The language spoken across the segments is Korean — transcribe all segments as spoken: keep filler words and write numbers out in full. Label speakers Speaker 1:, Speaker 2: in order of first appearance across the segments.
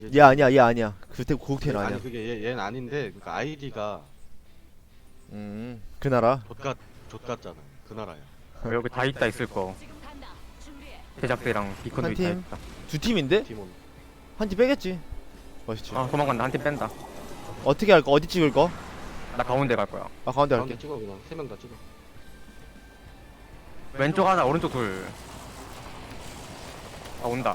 Speaker 1: 얘
Speaker 2: 얘 아니야 얘 아니야 그때 고국태는
Speaker 1: 얘,
Speaker 2: 아니야.
Speaker 1: 아니 그게 얘, 얘는 아닌데 그러니까 아이디가
Speaker 2: 음 그 나라.
Speaker 1: 좆같 좆같잖아. 그 나라야.
Speaker 3: 여기 다 있다 있을 거. 제작대랑 비컨도
Speaker 2: 한
Speaker 3: 다
Speaker 2: 팀?
Speaker 3: 있다.
Speaker 2: 두 팀인데?
Speaker 1: 팀원.
Speaker 2: 한 팀 빼겠지. 멋있지.
Speaker 3: 아 도망간다. 한 팀 뺀다.
Speaker 2: 어떻게 할까? 어디 찍을 거?
Speaker 3: 나 가운데 갈 거야.
Speaker 2: 아 가운데
Speaker 1: 가운데
Speaker 2: 할게.
Speaker 1: 찍어 그냥 세 명 다 찍어.
Speaker 3: 왼쪽 하나, 오른쪽 둘. 아 온다.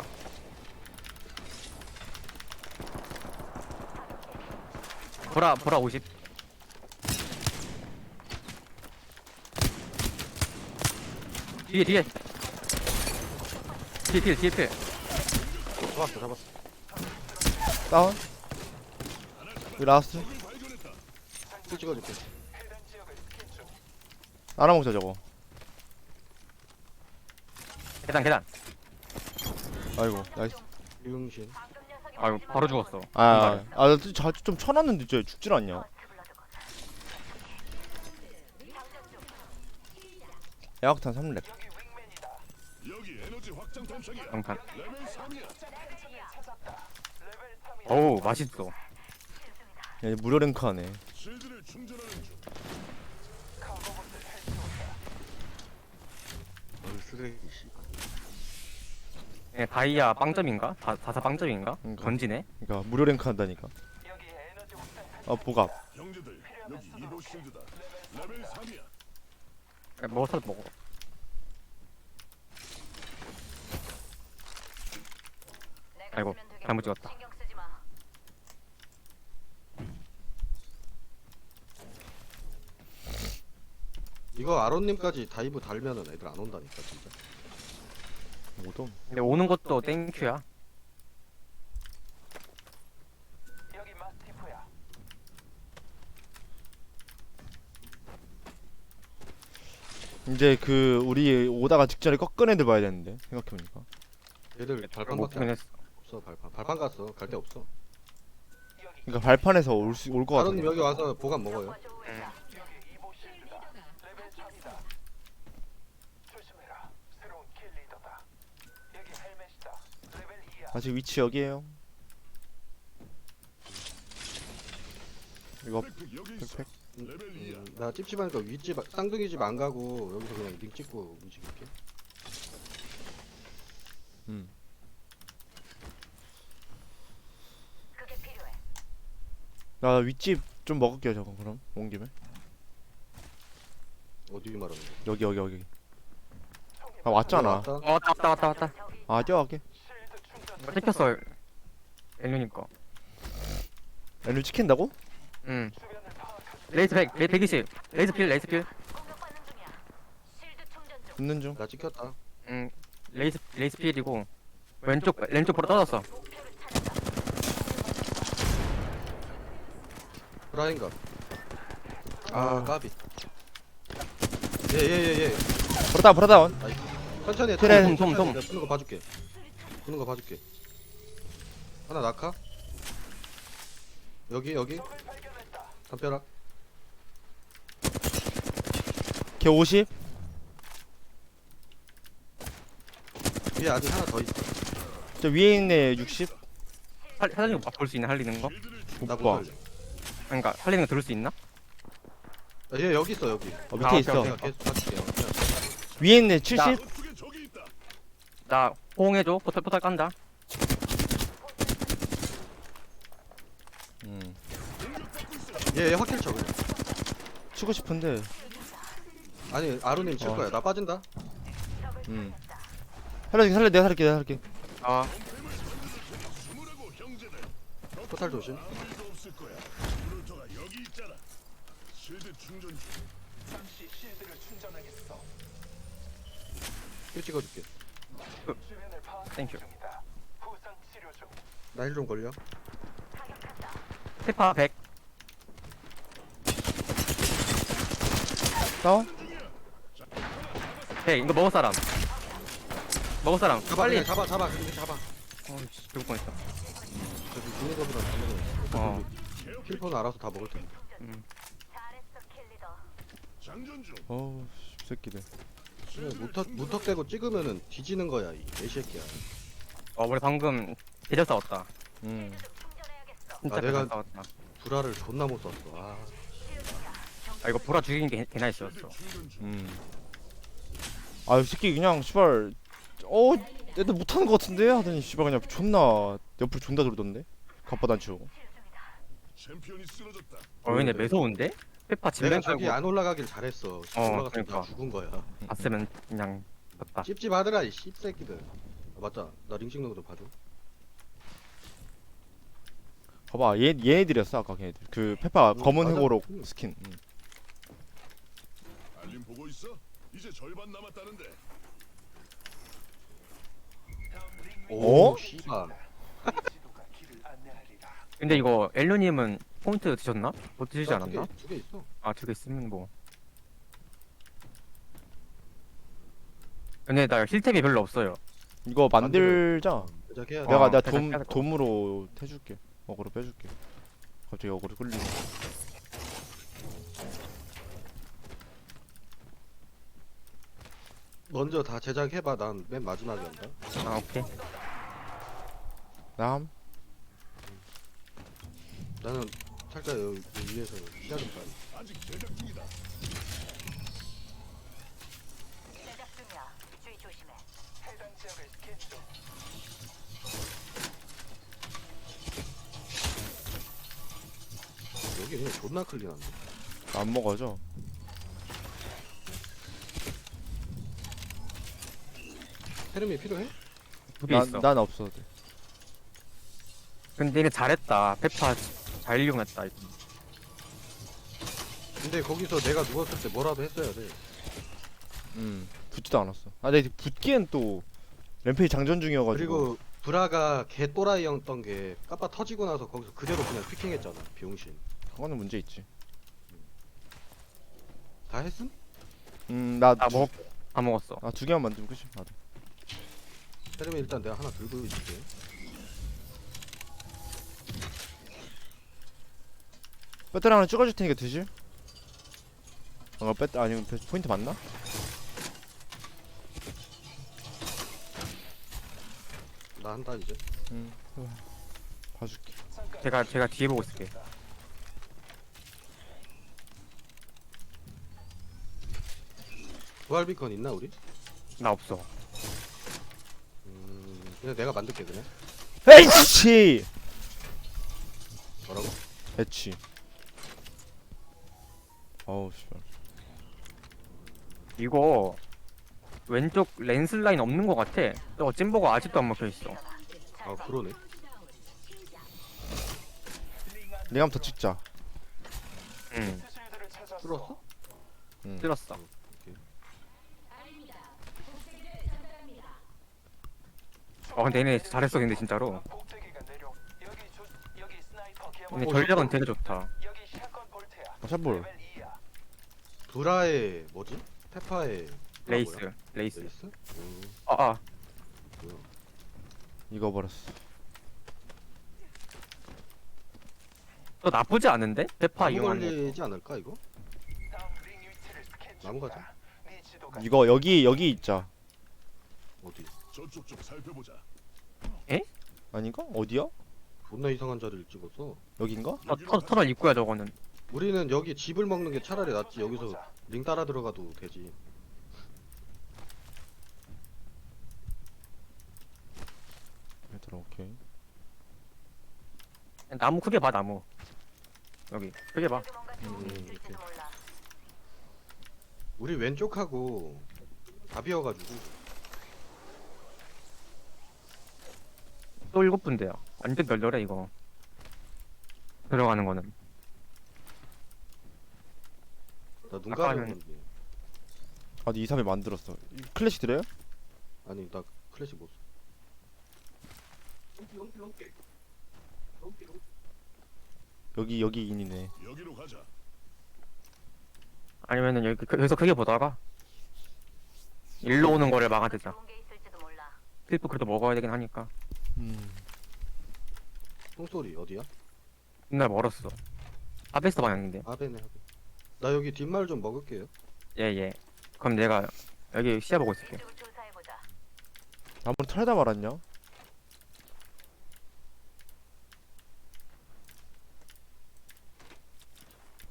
Speaker 3: 보라 보라 오십. 뒤에 뒤에. 뒤에 뒤에 뒤에 뒤에.
Speaker 1: 잡았어 잡았어.
Speaker 2: 다운. 여기 라스트.
Speaker 1: 술 찍어줄게.
Speaker 2: 알아먹자 저거.
Speaker 3: 계단 계단.
Speaker 2: 아이고 나이스.
Speaker 1: 유용신.
Speaker 3: 아유 바로 죽었어.
Speaker 2: 아아좀 쳐놨는데 저 죽질 않냐? 야학탄 삼 렙.
Speaker 3: 영탄. 어우 맛있어.
Speaker 2: 야, 얘 무료 랭크하네.
Speaker 1: 어이 쓰레기 씨.
Speaker 3: 예, 다이아 빵점인가? 다, 다사 빵점인가?
Speaker 2: 그러니까.
Speaker 3: 던지네?
Speaker 2: 그러니까 무료 랭크 한다니까. 아 보갑.
Speaker 3: 야, 먹어서 먹어. 아이고 잘못 찍었다.
Speaker 1: 이거 아론님까지 다이브 달면은 애들 안 온다니까 진짜.
Speaker 2: 오돔.
Speaker 3: 근데 오는 것도 땡큐야.
Speaker 2: 이제 그 우리 오다가 직전에 꺾은 애들 봐야 되는데 생각해보니까.
Speaker 1: 얘들
Speaker 3: 못
Speaker 1: 발판밖에
Speaker 3: 보긴 했어.
Speaker 1: 없어. 발판. 발판 갔어. 갈 데 없어.
Speaker 2: 그러니까 발판에서 올 수 올 것
Speaker 1: 아론님
Speaker 2: 같은데.
Speaker 1: 여기 와서 보관 먹어요.
Speaker 2: 아직 위치 여기에요. 이거 팩팩.
Speaker 1: 음, 나 찝찝하니까 윗집 쌍둥이 집 안 가고 여기서 그냥 링 찍고 움직일게.
Speaker 2: 음. 나 윗집 좀 먹을게요 저거 그럼 온 김에.
Speaker 1: 어디 말하는 거야?
Speaker 2: 여기 여기 여기. 아 왔잖아.
Speaker 1: 왔다.
Speaker 3: 어 왔다 왔다 왔다 왔다.
Speaker 2: 아 뛰어갈게.
Speaker 3: 이거 찍혔어. 엘류니까.
Speaker 2: 애를 찍힌다고?
Speaker 3: 응. 레이스 백, 레이스 백이십. 레이스 필, 레이스 필.
Speaker 2: 붙는 중.
Speaker 1: 나 찍혔다.
Speaker 3: 응. 레이스 레이스 필이고 왼쪽 왼쪽 보러 떨어졌어.
Speaker 1: 브라인가. 아 까비. 예예예 예, 예.
Speaker 2: 브라다운 브라다운.
Speaker 1: 천천히 해.
Speaker 2: 그래.
Speaker 1: 천천히,
Speaker 3: 톰, 톰,
Speaker 1: 천천히.
Speaker 3: 톰.
Speaker 1: 내가 푸는 거 봐줄게. 푸는 거 봐줄게. 하나 낙하. 여기 여기. 담벼락.
Speaker 2: 걔 오십.
Speaker 1: 위에 아직 하나 더 있어.
Speaker 2: 저 위에 있네 육십.
Speaker 3: 살 사장님 볼수 있나 할리는 거?
Speaker 1: 나
Speaker 2: 오빠.
Speaker 1: 못 살려.
Speaker 3: 그러니까 살리는 거 들을 수 있나?
Speaker 1: 아, 얘 여기 있어 여기.
Speaker 2: 어, 밑에
Speaker 3: 아, 오케이,
Speaker 2: 있어.
Speaker 3: 오케이.
Speaker 1: 내가 계속 봐줄게요. 그냥.
Speaker 2: 위에 있네 칠십.
Speaker 3: 나 호응해줘. 포탈 포탈 깐다.
Speaker 2: 음.
Speaker 1: 얘, 얘 확킬 쳐 그냥.
Speaker 2: 치고 싶은데.
Speaker 1: 아니 아루님 칠
Speaker 2: 어.
Speaker 1: 거야. 나 빠진다.
Speaker 2: 음. 살려줄게 살려 내가 살릴게 내가 살릴게.
Speaker 3: 아
Speaker 1: 포탈 조심. 힐 찍어줄게.
Speaker 3: 땡큐.
Speaker 1: 나 힐 좀 걸려.
Speaker 3: 페파 백.
Speaker 2: 다운.
Speaker 3: 백 이거 먹을 사람. 먹을 사람.
Speaker 1: 잡아
Speaker 3: 빨리.
Speaker 1: 그냥 잡아 잡아 그냥 잡아.
Speaker 3: 어이씨 죽을 뻔했어.
Speaker 1: 저기 죽는 거보다 잡는 거.
Speaker 3: 어.
Speaker 1: 킬포는 알아서 다 먹을 테니까.
Speaker 3: 음.
Speaker 2: 어우 씨, 새끼들.
Speaker 1: 그래, 무턱 무턱대고 찍으면은 뒤지는 거야 이 개새끼야.
Speaker 3: 어 우리 방금 대절 싸웠다.
Speaker 2: 음.
Speaker 3: 진짜
Speaker 1: 아, 내가-
Speaker 3: 내가 싸웠다.
Speaker 1: 불화를 존나 못 썼어. 아,
Speaker 3: 아 이거 보라 죽이는 게 개나 있었어.
Speaker 2: 음. 아이 새끼 그냥 씨발 어 애들 못하는 거 같은데 하더니 씨발 그냥 존나 옆으로 존나 돌던데 갑바도 안 치우고.
Speaker 4: 챔피언이 쓰러졌다.
Speaker 3: 어 근데 매서운데? 페파
Speaker 1: 내가
Speaker 3: 진면
Speaker 1: 저기
Speaker 3: 깔고
Speaker 1: 안 올라가길 잘했어.
Speaker 3: 어,
Speaker 1: 올라갔으면
Speaker 3: 그러니까.
Speaker 1: 나 죽은 거야.
Speaker 2: 음,
Speaker 3: 봤으면 그냥 졌다.
Speaker 1: 찝찝하더라 이 씹새끼들. 아, 맞다. 나 링 찍는 거 좀 봐줘.
Speaker 2: 봐봐 얘 얘네들이었어 아까 걔네들. 그 페파
Speaker 1: 음,
Speaker 2: 검은
Speaker 1: 맞아.
Speaker 2: 회고록
Speaker 1: 음.
Speaker 2: 스킨. 음.
Speaker 4: 알림 보고 있어? 이제 절반 남았다는데.
Speaker 1: 오,
Speaker 2: 어?
Speaker 1: 씨발.
Speaker 3: 근데 이거 엘루님은 포인트 드셨나? 못 드시지 않았나?
Speaker 1: 두개 있어.
Speaker 3: 아 두 개 있으면 뭐. 근데 나 힐템이 별로 없어요.
Speaker 2: 이거 만들자.
Speaker 1: 제작해야 돼.
Speaker 2: 내가
Speaker 3: 어,
Speaker 2: 내가
Speaker 3: 살짝
Speaker 2: 돔
Speaker 3: 빼야겠다.
Speaker 2: 돔으로 해줄게. 어그로 빼줄게. 갑자기 어그로 끌리네.
Speaker 1: 먼저 다 제작해봐. 난 맨 마지막에 한다.
Speaker 3: 아 오케이.
Speaker 2: 남.
Speaker 1: 나는 살짝 여기 위에서 시야 좀 봐야
Speaker 4: 아직 제작 중이다.
Speaker 5: 제작 중이야. 주의 조심해.
Speaker 1: 여기 그냥 존나 클린한데.
Speaker 2: 안 먹어져.
Speaker 1: 테르미 필요해?
Speaker 3: 두 개 있어.
Speaker 2: 난난 없어도 돼.
Speaker 3: 근데 얘네 잘했다. 페파 잘 이용했다. 이거.
Speaker 1: 근데 거기서 내가 누웠을 때 뭐라도 했어야 돼.
Speaker 2: 음. 붙지도 않았어. 아, 근데 붙기엔 또 램페이 장전 중이어가지고.
Speaker 1: 그리고 브라가 개 또라이였던 게 까빠 터지고 나서 거기서 그대로 그냥 피킹했잖아. 비용신.
Speaker 2: 그거는 문제 있지.
Speaker 1: 다 했음?
Speaker 2: 음, 나
Speaker 3: 다
Speaker 2: 두-
Speaker 3: 먹, 다 먹었어.
Speaker 2: 아, 두 개만 만들면 끝이. 나도.
Speaker 1: 테르미 일단 내가 하나 들고 있을게.
Speaker 2: 배터리 하나 찍어줄 테니까 드실? 어, 배터 아니 배- 포인트 맞나?
Speaker 1: 나 한다 이제.
Speaker 2: 응. 봐줄게.
Speaker 3: 제가 제가 뒤에 보고 있을게.
Speaker 1: 부활 비컨 있나 우리?
Speaker 3: 나 없어.
Speaker 1: 음, 그냥 내가 만들게 그냥.
Speaker 2: 에이치!
Speaker 1: 뭐라고?
Speaker 2: 배치. 어우 씨발.
Speaker 3: 이거 왼쪽 렌스 라인 없는 것 같아. 저 찐보가 아직도 안 먹혀 있어.
Speaker 1: 아 그러네.
Speaker 2: 내가 한번 더 찍자.
Speaker 3: 응.
Speaker 1: 뚫었어?
Speaker 2: 응.
Speaker 3: 찔렀어. 어 근데 얘네 잘했어 근데 진짜로. 근데
Speaker 1: 어,
Speaker 3: 전략은
Speaker 1: 좋다.
Speaker 3: 되게 좋다.
Speaker 2: 아, 샷볼.
Speaker 1: 브라의 뭐지? 페파의 브라
Speaker 3: 레이스,
Speaker 1: 뭐야?
Speaker 3: 레이스.
Speaker 1: 레이스? 음,
Speaker 3: 아, 아.
Speaker 1: 뭐야?
Speaker 2: 이거 버렸어.
Speaker 3: 또 나쁘지 않은데? 페파
Speaker 1: 나무
Speaker 3: 이용하는 거.
Speaker 1: 걸리지 않을까 이거? 나무 가자.
Speaker 2: 이거 여기 여기 있자.
Speaker 1: 어디?
Speaker 4: 저쪽 좀 살펴보자.
Speaker 2: 아닌가? 어디야?
Speaker 1: 존나 이상한 자리를 찍었어.
Speaker 2: 여긴가?
Speaker 3: 터, 터, 터널 입구야 저거는.
Speaker 1: 우리는 여기 집을 먹는 게 차라리 낫지. 여기서 링 따라 들어가도 되지.
Speaker 2: 얘들아 오케이.
Speaker 3: 나무 크게 봐 나무. 여기 크게 봐.
Speaker 1: 음, 이렇게. 우리 왼쪽하고 다 비어가지고
Speaker 3: 또 일곱 분대야. 완전 널널해 이거. 들어가는 거는.
Speaker 1: 나 눈
Speaker 3: 아까는-
Speaker 1: 가렸는데.
Speaker 2: 아, 이 삼에 만들었어. 이 클래식 드려요?
Speaker 1: 아니 나 클래식 못 써.
Speaker 2: 여기 여기 인이네.
Speaker 4: 여기로 가자.
Speaker 3: 아니면은 여기 그- 여기서 크게 보다가 일로 오는 거를 막아대자.
Speaker 5: 좋은 게 있을지도 몰라.
Speaker 3: 필프 그래도 먹어야 되긴 하니까.
Speaker 2: 음.
Speaker 1: 총소리 어디야?
Speaker 3: 옛날 멀었어. 아베스 방향인데.
Speaker 1: 아베네 아베. 나 여기 뒷말 좀 먹을게요.
Speaker 3: 예예. 그럼 내가 여기 시야 보고 있을게.
Speaker 5: 이쪽을 조사해 보자.
Speaker 2: 아무리 털다 말았냐?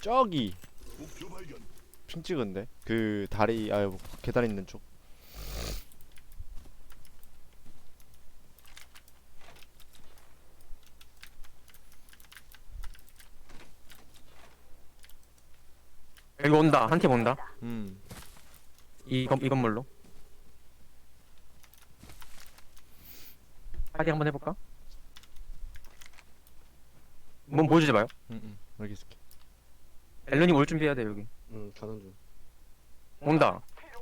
Speaker 2: 저기
Speaker 4: 목표 발견.
Speaker 2: 핑 찍은데 그 다리 아 계단 있는 쪽.
Speaker 3: 여기 온다. 한 팀 온다.
Speaker 2: 음.
Speaker 3: 이, 건, 이 건물로. 파이팅 한번 해볼까? 몸 보여주지 마요.
Speaker 2: 음, 음. 여기 있을게.
Speaker 3: 앨런이 올 준비해야 돼 여기.
Speaker 1: 응 가는 중.
Speaker 3: 온다.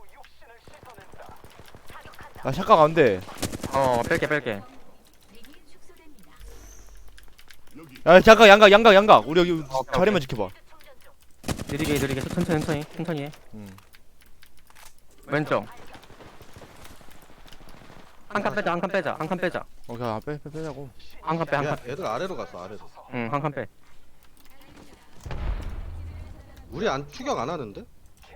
Speaker 2: 나 샷각 안 돼.
Speaker 3: 어 뺄게 뺄게.
Speaker 4: 여기
Speaker 2: 야 잠깐 양각 양각 양각. 우리 여기
Speaker 3: 오케이,
Speaker 2: 자리만 지켜봐.
Speaker 3: 느리게 느리게 천천히 천천히 천천히 해.
Speaker 2: 음.
Speaker 3: 왼쪽. 한 칸 빼자 한 칸 빼자 한 칸 빼자.
Speaker 2: 오케이 아, 빼, 빼 빼자고.
Speaker 3: 한 칸 빼 한
Speaker 1: 야
Speaker 3: 칸.
Speaker 1: 애들 아래로 갔어 아래로.
Speaker 3: 응 한 칸 빼.
Speaker 1: 우리 안 추격 안 하는데?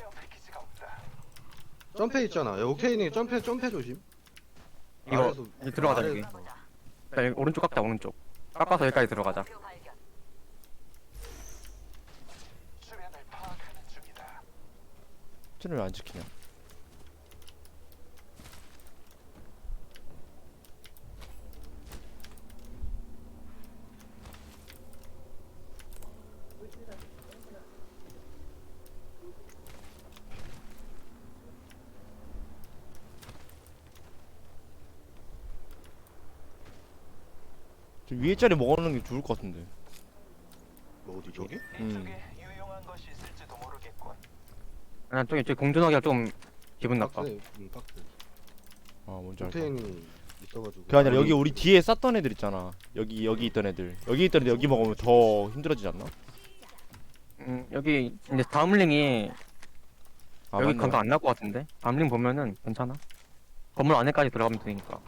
Speaker 1: 점프 있잖아. 야, 오케이니 점프 점프 조심.
Speaker 3: 이거
Speaker 1: 아래에서
Speaker 3: 이제 들어가자
Speaker 1: 아래-
Speaker 3: 여기. 자, 여기 오른쪽 깎자 오른쪽. 깎아서 여기까지 들어가자.
Speaker 5: 목표 발견.
Speaker 2: 쟤는 왜 안 지키냐? 저 위에 자리 먹어놓는 게 좋을 것 같은데.
Speaker 1: 뭐 어디 저기?
Speaker 2: 음.
Speaker 3: 아 저기 저기 공존하기가 좀 기분 나빠.
Speaker 1: 박스네. 응 박스.
Speaker 2: 아 뭔지 알까?
Speaker 1: 오케이니 있어가지고.
Speaker 2: 그게 아니라 여기 우리 뒤에 쌌던 애들 있잖아. 여기 여기 있던 애들. 여기 있던 애들 여기 먹으면 더 힘들어지지 않나?
Speaker 3: 음 여기 이제 다음 링이
Speaker 2: 아
Speaker 3: 여기
Speaker 2: 맞네.
Speaker 3: 강가 안 날 것 같은데. 다음 링 보면은 괜찮아. 건물 안에까지 들어가면 되니까.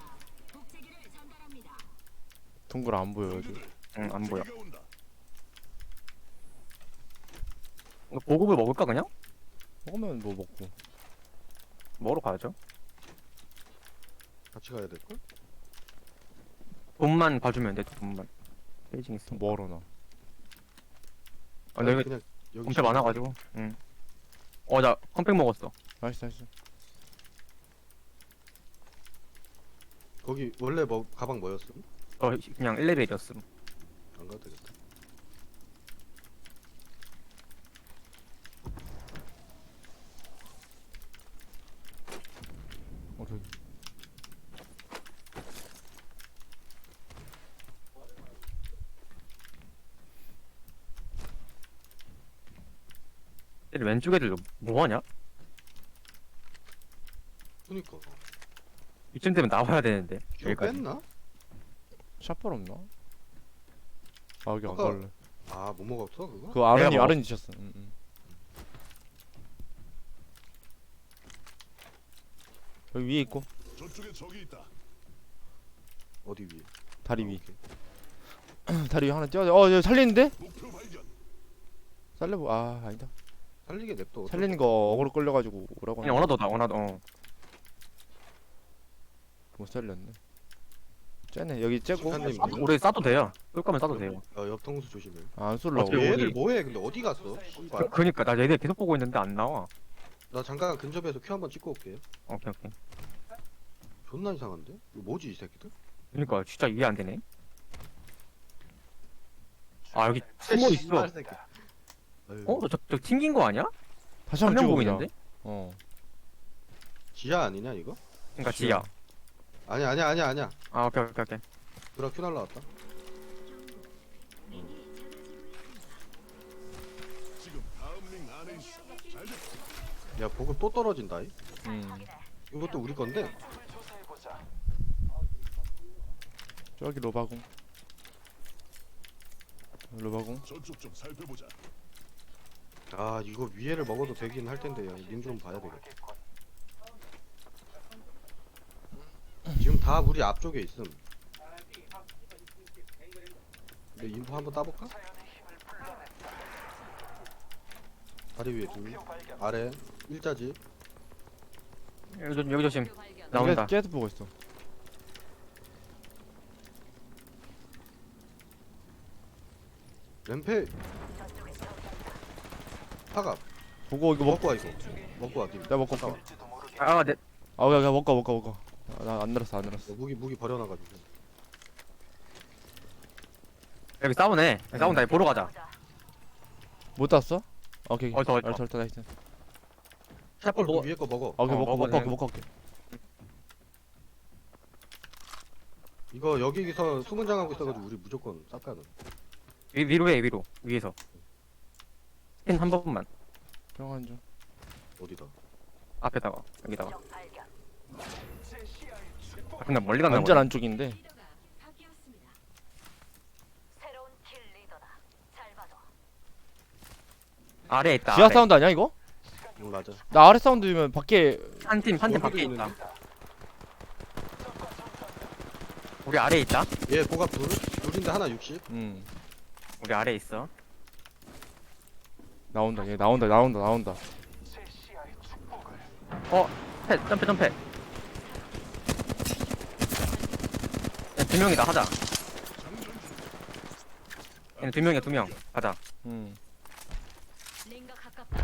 Speaker 2: 동굴 안 보여 여기.
Speaker 3: 응 안 보여.
Speaker 4: 제가 온다.
Speaker 3: 이거 보급을 먹을까 그냥?
Speaker 2: 먹으면 뭐 먹고.
Speaker 3: 먹으러 가야죠.
Speaker 1: 같이 가야 될 걸?
Speaker 3: 돈만 봐주면 돼. 돈만. 베이징 있으니까.
Speaker 2: 뭐하러 나?
Speaker 3: 아, 근데 여기
Speaker 1: 그냥 여기
Speaker 3: 엄청 많아가지고. 응. 어 나 컴팩 먹었어.
Speaker 2: 나이스 나이스.
Speaker 1: 거기 원래 뭐 가방 뭐였음?
Speaker 3: 어 그냥 일 레벨이었음.
Speaker 1: 안 가도 되겠다.
Speaker 2: 오케이.
Speaker 3: 근데 왼쪽 애들 뭐하냐?
Speaker 1: 그니까.
Speaker 3: 이쯤 되면 나와야 되는데.
Speaker 1: 저
Speaker 3: 여기까지.
Speaker 1: 뺐나?
Speaker 2: 샷발 없나? 아 여기 안
Speaker 1: 아까-
Speaker 2: 갈래.
Speaker 1: 아 못 먹었어 그거?
Speaker 2: 그 아른이
Speaker 3: 내가
Speaker 2: 아른이 지셨어. 응, 응. 여기 위에 있고
Speaker 4: 저쪽에 적이 있다.
Speaker 1: 어디 위에?
Speaker 2: 다리
Speaker 1: 아,
Speaker 2: 위.
Speaker 1: 오케이.
Speaker 2: 다리 위 하나 띄워줘. 어 여기 살리는데?
Speaker 4: 목표 발견.
Speaker 2: 살려보. 아 아니다.
Speaker 1: 살리게 냅둬.
Speaker 2: 살리는 거 어그로 끌려가지고 오라고.
Speaker 3: 그냥 원하더다 원하더. 어.
Speaker 2: 못 살렸네. 쟤네 여기 째고.
Speaker 1: 시간님
Speaker 3: 싸도, 우리 싸도 돼요. 쏠 거면 싸도 돼요.
Speaker 1: 어, 옆통수 조심해.
Speaker 2: 아, 안 쏠라고.
Speaker 3: 어차피
Speaker 1: 얘들
Speaker 3: 어디-
Speaker 1: 뭐해? 근데 어디 갔어? 씨발.
Speaker 3: 그, 그니까 나 얘들 계속 보고 있는데 안 나와.
Speaker 1: 나 잠깐 근접해서 큐 한번 찍고 올게요.
Speaker 3: 오케이 오케이.
Speaker 1: 존나 이상한데? 이거 뭐지 이 새끼들?
Speaker 3: 그니까 진짜 이해 안 되네. 아 여기 숨어 있어.
Speaker 1: 씨발 새끼. 아유,
Speaker 3: 어? 저, 저 튕긴 거 아니야?
Speaker 2: 다시
Speaker 3: 한
Speaker 2: 한번
Speaker 3: 명
Speaker 2: 찍어보자.
Speaker 3: 보이는데?
Speaker 2: 어.
Speaker 1: 지하 아니냐 이거?
Speaker 3: 그니까 지야.
Speaker 1: 아니야 아니야 아니야 아니야.
Speaker 3: 아 오케이 오케이 오케이.
Speaker 1: 드라 큐 날라왔다.
Speaker 4: 지금 다음 링 안에 있어. 잘 됐다.
Speaker 1: 야 보급 또 떨어진다. 이.
Speaker 2: 음.
Speaker 1: 이것도 우리 건데.
Speaker 2: 저기 로바공. 로바공.
Speaker 4: 저쪽 좀 살펴보자.
Speaker 1: 아 이거 위에를 먹어도 되긴 할 텐데 님 좀 봐야 되겠다. 지금 다 우리 앞쪽에 있음. 근데 인포 한번 따볼까? 다리 위에 둘, 아래 일자지.
Speaker 3: 여기, 조- 여기 조심. 나온다.
Speaker 2: 쟤도 보고 있어.
Speaker 1: 램페 사과.
Speaker 2: 보고 이거 먹
Speaker 1: 먹고 와 이거. 먹고 와 님.
Speaker 2: 내가 먹고 올게.
Speaker 3: 아, 네.
Speaker 2: 아 그냥 그냥 먹고 먹고 먹고. 나 안 늘었어 안 늘었어.
Speaker 1: 어, 무기 무기 버려놔가지고.
Speaker 3: 여기 싸우네. 여기 싸운다. 보러 가자.
Speaker 5: 보자.
Speaker 2: 못 땄어? 오케이.
Speaker 3: 어디서, 어디서?
Speaker 2: 알았어 알았어 나이스.
Speaker 3: 샷볼
Speaker 1: 그
Speaker 3: 먹어.
Speaker 1: 위에 거 먹어.
Speaker 2: 아, 오케이
Speaker 3: 어,
Speaker 2: 먹고 먹고
Speaker 3: 먹어도
Speaker 2: 올게 먹고 올게.
Speaker 1: 이거 여기서 수문장하고 있어가지고 우리 무조건 쌉가는.
Speaker 3: 위, 위로 해, 위로. 위에서. 스캔 한 번만.
Speaker 2: 병원 좀.
Speaker 1: 어디다?
Speaker 3: 앞에다가. 여기다가.
Speaker 5: 적 발견.
Speaker 3: 아, 근데 멀리 간다.
Speaker 2: 완전 안쪽인데.
Speaker 5: 새로운 킬 리더다. 잘 봐줘.
Speaker 3: 아래에 있다.
Speaker 2: 지하
Speaker 3: 아래.
Speaker 2: 사운드 아니야 이거?
Speaker 1: 응 맞아.
Speaker 2: 나 아래 사운드면 밖에.
Speaker 3: 한 팀, 한 팀
Speaker 1: 여기도
Speaker 3: 밖에
Speaker 1: 있는데?
Speaker 3: 있다. 우리 아래에 있다.
Speaker 1: 얘 고갑 둘 둘인데 하나 육십.
Speaker 2: 음
Speaker 3: 우리 아래에 있어.
Speaker 2: 나온다 얘 나온다 나온다 나온다.
Speaker 3: 어, 패, 점프, 점프. 야, 두 명이다, 하자. 얘는 두 명이야, 두 명. 가자.
Speaker 2: 음
Speaker 5: 링가 가깝다.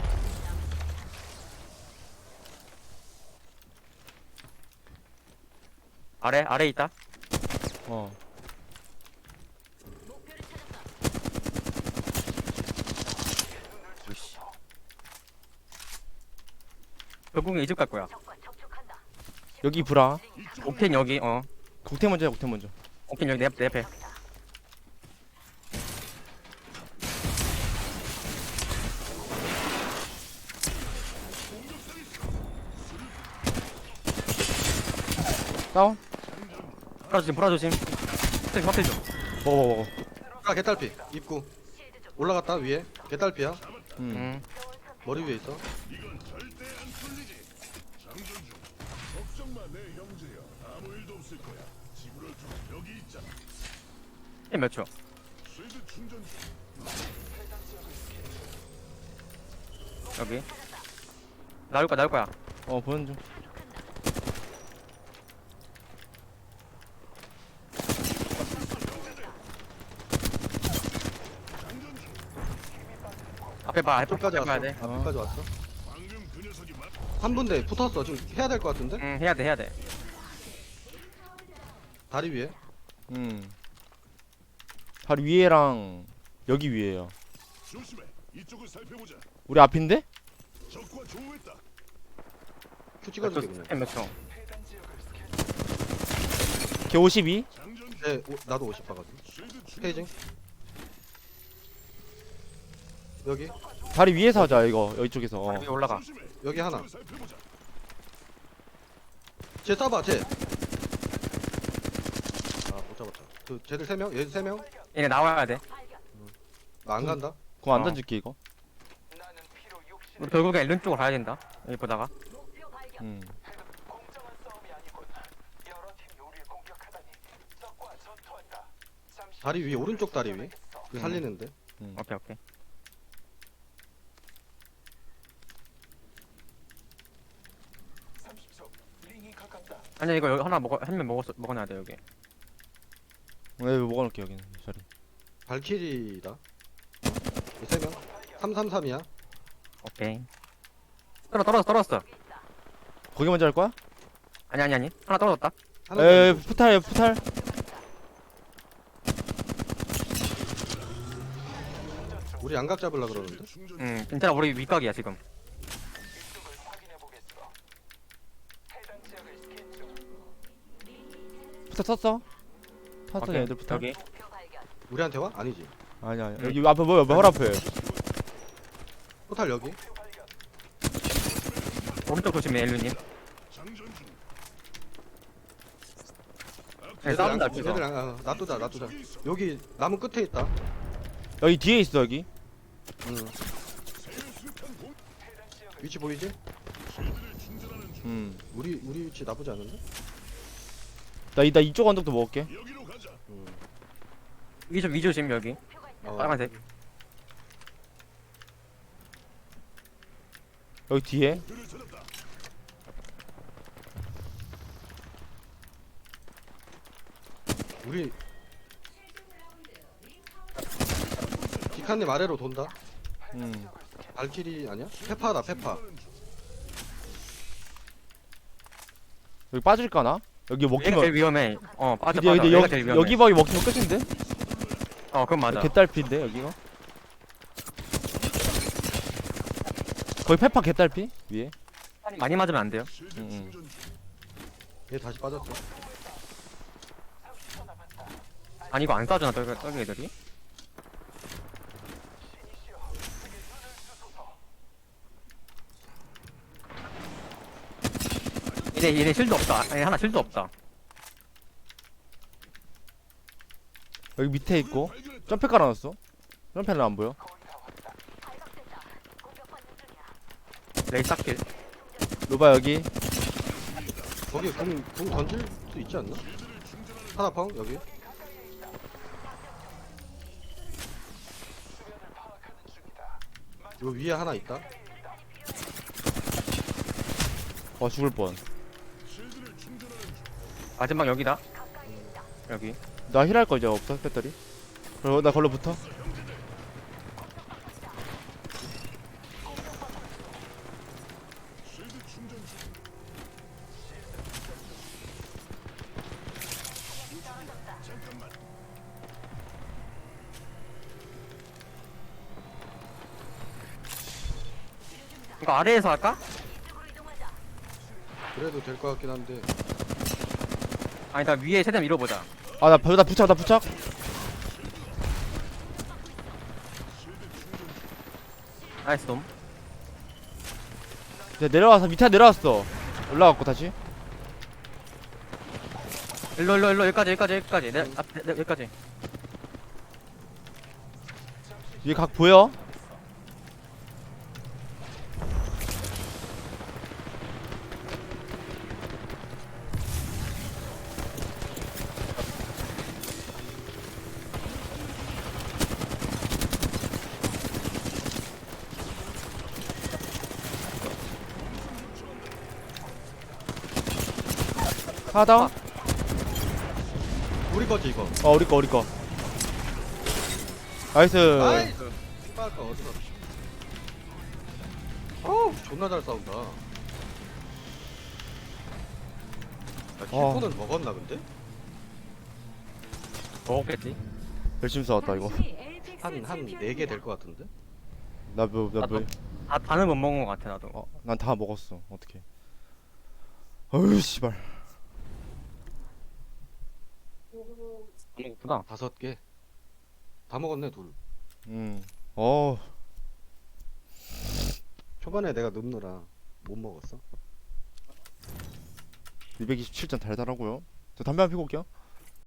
Speaker 3: 아래, 아래 있다.
Speaker 2: 어.
Speaker 5: 목표를 찾았다.
Speaker 3: 으이씨. 결국엔 이 집 갈 거야.
Speaker 5: 적과 접촉한다.
Speaker 2: 여기 브라.
Speaker 3: 옥텐 여기, 어.
Speaker 2: 국태 먼저 해 국태 먼저.
Speaker 3: 옥텐 여기 내, 앞- 내 앞에.
Speaker 2: 다운.
Speaker 3: 브라 조심, 브라 조심. 스택 확실 좀.
Speaker 2: 먹어 먹어 먹어.
Speaker 1: 아 개딸피. 입구. 올라갔다 위에. 개딸피야.
Speaker 2: 음.
Speaker 3: 음.
Speaker 1: 머리 위에 있어.
Speaker 4: 이건 절대 안 풀리지. 장전 중. 걱정 마, 내 형제야. 아무 일도 없을 거야. 집으로 좀 여기 있잖아.
Speaker 3: 몇 초?
Speaker 4: 쉴드 충전 중.
Speaker 3: 여기. 나올 거야, 나올 거야.
Speaker 2: 어 보는 중.
Speaker 3: 앞에 봐, 앞에
Speaker 1: 앞까지
Speaker 3: 봐야
Speaker 1: 왔어.
Speaker 3: 돼.
Speaker 1: 앞까지 왔어.
Speaker 4: 방금 그 녀석이 맞.
Speaker 1: 한 분대 붙었어. 지금 해야 될 것 같은데?
Speaker 3: 응, 해야 돼, 해야 돼.
Speaker 1: 다리 위에.
Speaker 2: 음. 바로 위에랑 여기 위에요.
Speaker 4: 조심해. 이쪽을 살펴보자.
Speaker 2: 우리 앞인데?
Speaker 4: 적과 조우했다.
Speaker 1: 큐 찍어줄게 그냥.
Speaker 3: 스캔 몇 초?
Speaker 2: 걔 오십이.
Speaker 4: 장전 중.
Speaker 1: 네, 오, 나도 오십 봐가지고.
Speaker 4: 쉴드 충전.
Speaker 1: 페이징. 여기
Speaker 2: 다리 위에서 하자 이거 여기 쪽에서. 어.
Speaker 3: 여기 올라가.
Speaker 4: 조심해.
Speaker 1: 여기 하나.
Speaker 4: 이쪽을 살펴보자.
Speaker 1: 쟤 쏴봐 쟤. 아 못 잡았다. 그 쟤들 세 명, 얘들 세 명.
Speaker 3: 얘네 나와야 돼.
Speaker 1: 나 안 간다.
Speaker 2: 그럼 안
Speaker 3: 어.
Speaker 2: 던질게 이거.
Speaker 3: 우리 결국엔 일른 쪽으로 가야 된다. 여기 보다가.
Speaker 5: 목표 발견.
Speaker 2: 음.
Speaker 1: 다리 위 오른쪽 다리 위. 그
Speaker 3: 음.
Speaker 1: 살리는데.
Speaker 2: 음.
Speaker 3: 오케이, 오케이. 아니 이거 여기 하나 먹어 한 명 먹었어 먹어놔야 돼 여기.
Speaker 2: 네 먹어놓을게 여기는 자리.
Speaker 1: 발키리다. 세 명. 삼삼삼이야.
Speaker 3: 오케이. 떨어 떨어졌어 떨어졌어.
Speaker 2: 거기 먼저 할 거야?
Speaker 3: 아니 아니 아니 하나 떨어졌다.
Speaker 1: 하나
Speaker 2: 에
Speaker 1: 더 있고.
Speaker 2: 푸탈 푸탈.
Speaker 1: 우리 양각 잡으려 그러는데.
Speaker 4: 충전 중.
Speaker 3: 응 괜찮아 우리 윗각이야 지금.
Speaker 2: 푸탈 썼어. 탔어
Speaker 3: 오케이,
Speaker 2: 얘들 푸탈.
Speaker 3: 여기.
Speaker 5: 목표 발견.
Speaker 1: 우리한테 와? 아니지.
Speaker 2: 아니 아니 여기 앞에 뭐야 뭐야 앞에.
Speaker 1: 포탈 여기.
Speaker 3: 오른쪽 조심해 엘루님.
Speaker 4: 장전 중.
Speaker 3: 네, 싸운다
Speaker 1: 쟤들
Speaker 3: 앞에서.
Speaker 1: 양- 아, 놔두자 놔두자. 여기 나무 끝에 있다.
Speaker 2: 여기 뒤에 있어 여기.
Speaker 1: 응. 위치 보이지?
Speaker 4: 쉴드를 충전하는 중.
Speaker 2: 음.
Speaker 1: 우리 우리 위치 나쁘지 않은데?
Speaker 2: 나 이 나 이쪽 언덕도 먹을게.
Speaker 4: 여기로 가자.
Speaker 1: 응.
Speaker 3: 위조 위조심 여기.
Speaker 1: 어.
Speaker 3: 빨간색.
Speaker 2: 여기 뒤에.
Speaker 4: 그를 찾았다.
Speaker 1: 우리 기칸님 아래로 돈다.
Speaker 2: 음.
Speaker 1: 발키리 아니야? 페파다 페파.
Speaker 2: 여기 빠질까나? 여기
Speaker 3: 얘가
Speaker 2: 먹히면
Speaker 3: 제일 위험해. 어 빠져
Speaker 2: 근데,
Speaker 3: 빠져.
Speaker 2: 근데
Speaker 3: 얘가
Speaker 2: 여기,
Speaker 3: 제일 위험해.
Speaker 2: 여기 방이 먹히면 끝인데?
Speaker 3: 어 그럼 맞아.
Speaker 2: 개딸피인데 여기가? 거의 페파 개딸피? 위에?
Speaker 3: 많이 맞으면 안 돼요.
Speaker 4: 실드
Speaker 2: 응, 응.
Speaker 4: 충전 중.
Speaker 1: 얘 다시 빠졌어.
Speaker 3: 아니 이거 안 쏴주나 저기 저기 애들이? 얘네 얘네 실드 없다. 아니 하나 실드 없다.
Speaker 2: 여기 밑에 있고 점프 깔아놨어. 점프는 안 보여.
Speaker 5: 발각됐다. 공격받는 중이야.
Speaker 3: 레이 싹길.
Speaker 2: 로바 여기.
Speaker 1: 거기 궁, 궁 던질 수 있지 않나? 하나 펑 여기. 요 위에 하나 있다.
Speaker 2: 와 죽을 뻔.
Speaker 4: 실드를 충전하는 중.
Speaker 3: 마지막 여기다. 여기.
Speaker 2: 나 힐할 거 이제 없어 배터리. 그리고 나 걸로 붙어.
Speaker 4: 실드 충전 중. 잠깐만.
Speaker 3: 이거 아래에서 할까?
Speaker 5: 이쪽으로 이동하자.
Speaker 1: 그래도 될 것 같긴 한데.
Speaker 3: 아니 나 위에 최대한 밀어보자.
Speaker 2: 아나 나 부착 나 부착.
Speaker 3: 나이스 놈.
Speaker 2: 이제 내려와서 밑에 내려왔어. 올라갔고 다시.
Speaker 3: 일로 일로 일로 여기까지 여기까지 여기까지. 내, 앞, 내, 내, 여기까지.
Speaker 2: 위에 각 보여? 하나 다운?
Speaker 1: 우리 거지 이거.
Speaker 2: 어 우리 거 우리 거. 나이스.
Speaker 1: 나이스. 아까 어디서? 어우 존나 잘 싸운다. 야,
Speaker 2: 어.
Speaker 1: 킬포는 먹었나 근데?
Speaker 3: 먹었겠지.
Speaker 2: 열심히 싸웠다 이거.
Speaker 1: 한한 네 개 될 것 같은데?
Speaker 2: 나뭐나
Speaker 3: 나도.
Speaker 2: 뭐.
Speaker 3: 다 다는 못 먹은 것 같아 나도.
Speaker 2: 어, 난 다 먹었어. 어떻게? 어휴 씨발.
Speaker 3: 먹었구나.
Speaker 1: 다섯 개. 다 먹었네 둘.
Speaker 2: 음. 어.
Speaker 1: 초반에 내가 눕느라 못 먹었어.
Speaker 2: 이백이십칠 점 달달하고요. 저 담배 한 피고 올게요.